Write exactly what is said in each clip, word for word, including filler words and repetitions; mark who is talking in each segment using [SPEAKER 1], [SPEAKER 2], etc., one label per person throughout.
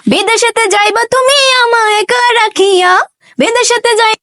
[SPEAKER 1] বিদেশেতে যাইবা তুমি আমায় একা রাখিয়া, বিদেশেতে যাই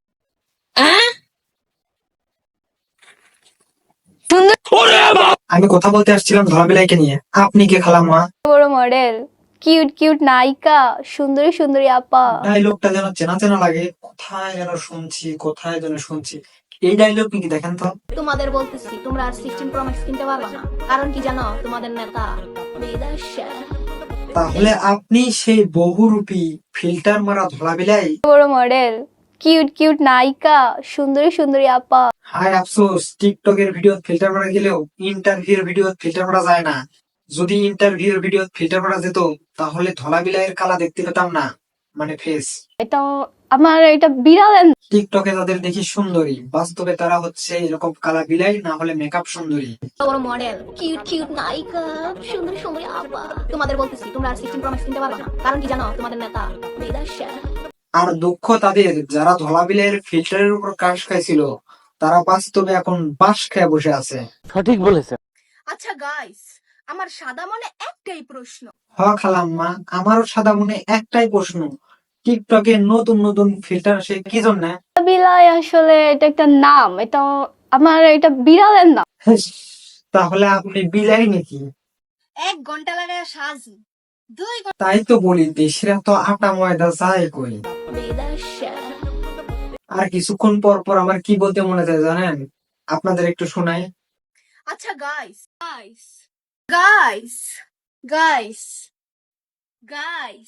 [SPEAKER 1] সুন্দর
[SPEAKER 2] আমি কথা বলতে আসছিলাম ধলাবিলাইকে নিয়ে। আপনি কে খালাম্মা?
[SPEAKER 1] বড় মডেল, কিউট কিউট নায়িকা, সুন্দরী সুন্দরী আপা।
[SPEAKER 2] ডায়লগটা যেন চেনা চেনা লাগে, কোথায় যেন শুনছি কোথায় যেন শুনছি। এই ডায়লগ কি দেখেন তো?
[SPEAKER 3] তোমাদের বলতেছি তোমরা আর সিক্সটিন প্রো ম্যাক্স কিনতে পারবে না, কারণ কি জানো? তোমাদের নেতা বিদেশে।
[SPEAKER 2] তাহলে আপনি সেই বহুরূপী ফিল্টার মারা ধলাবিলাই?
[SPEAKER 1] বড় মডেল, কিউট কিউট নায়িকা, সুন্দরী সুন্দরী আপা।
[SPEAKER 2] হায় আফসোস, টিকটকের ভিডিও ফিল্টার মারা গেলেও ইন্টারভিউর ভিডিও ফিল্টার মারা যায় না। যদি ইন্টারভিউর ভিডিও ফিল্টার মারা যেত তাহলে ধলাবিলাইয়ের কালা দেখতে পেতাম না, মানে ফেস।
[SPEAKER 1] এটা আমার এটা বিড়াল।
[SPEAKER 2] টিকটকে তাদের দেখি সুন্দরী, বাস্তবে তারা হচ্ছে এরকম কালা বিলাই, না হলে মেকআপ সুন্দরী।
[SPEAKER 3] বড় মডেল, কিউট কিউট নায়িকা, সুন্দরী সুন্দরী আপা। তোমাদের বলতেছি তোমরা আর সিক্সটিন প্রো ম্যাক্স কিনতে পারবে না, কারণ কি জানো? তোমাদের নেতা বিদেশে।
[SPEAKER 2] আর দুঃখ তাদের যারা ধলাবিলাইয়ের ফিল্টারের উপর কাশ খাইছিল, তারা বাস্তবে এখন বাঁশ খেয়ে বসে আছে।
[SPEAKER 4] সঠিক বলেছে।
[SPEAKER 3] আচ্ছা গাইস, আমার সাদা মনে একটাই প্রশ্ন।
[SPEAKER 2] হ খালাম্মা, আমারও সাদা মনে একটাই প্রশ্ন, টিকটকে নতুন নতুন ফিল্টার আসে কি জন্য?
[SPEAKER 1] বিলাই আসলে এটা একটা নাম, এটা আমার এটা বিড়ালের নাম।
[SPEAKER 2] তাহলে আপনি বিলাই নাকি?
[SPEAKER 3] এক ঘন্টা লাগে সাজি, দুই
[SPEAKER 2] তাই তো বলি, দেশিরা তো আটা ময়দা যায় কই।
[SPEAKER 3] বিদেশে।
[SPEAKER 2] আর কিছুক্ষণ পর পর আমার কি বলতে মনে যায় জানেন? আপনাদের একটু শোনাই।
[SPEAKER 3] আচ্ছা guys, guys, guys, guys, guys.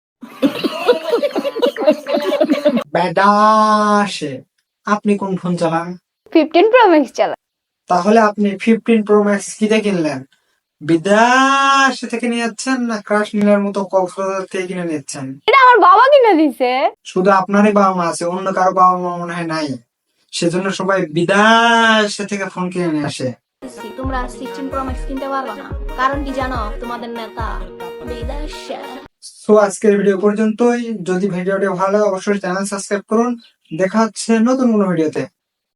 [SPEAKER 2] বেদাসে, আপনি কোন ফোন চালান?
[SPEAKER 1] ফিফটিন প্রো ম্যাক্স চালা।
[SPEAKER 2] তাহলে আপনি ফিফটিন প্রো ম্যাক্স কিনে কিনলেন? বিদেশ থেকে নিয়ে যাচ্ছেন না ক্রাশ নিলার মতো কক্সবাজার থেকে কিনে নিচ্ছেন?
[SPEAKER 1] এটা আমার বাবা কিনে দিছে।
[SPEAKER 2] শুধু আপনারই বাবা মা আছে, অন্য কারো বাবা মা মনে হয় নাই, সেজন্য সবাই বিদেশ থেকে ফোন কিনে নিয়ে আসে।
[SPEAKER 3] তোমরা আর সিক্সটিন প্রো ম্যাক্স কিনতে পারবে না, কারণ কি জানো? তোমাদের নেতা বিদেশে।
[SPEAKER 2] সো আজকের ভিডিও পর্যন্তই। যদি ভিডিওটি ভালো লাগে অবশ্যই চ্যানেল সাবস্ক্রাইব করুন। দেখা হচ্ছে নতুন কোনো ভিডিওতে।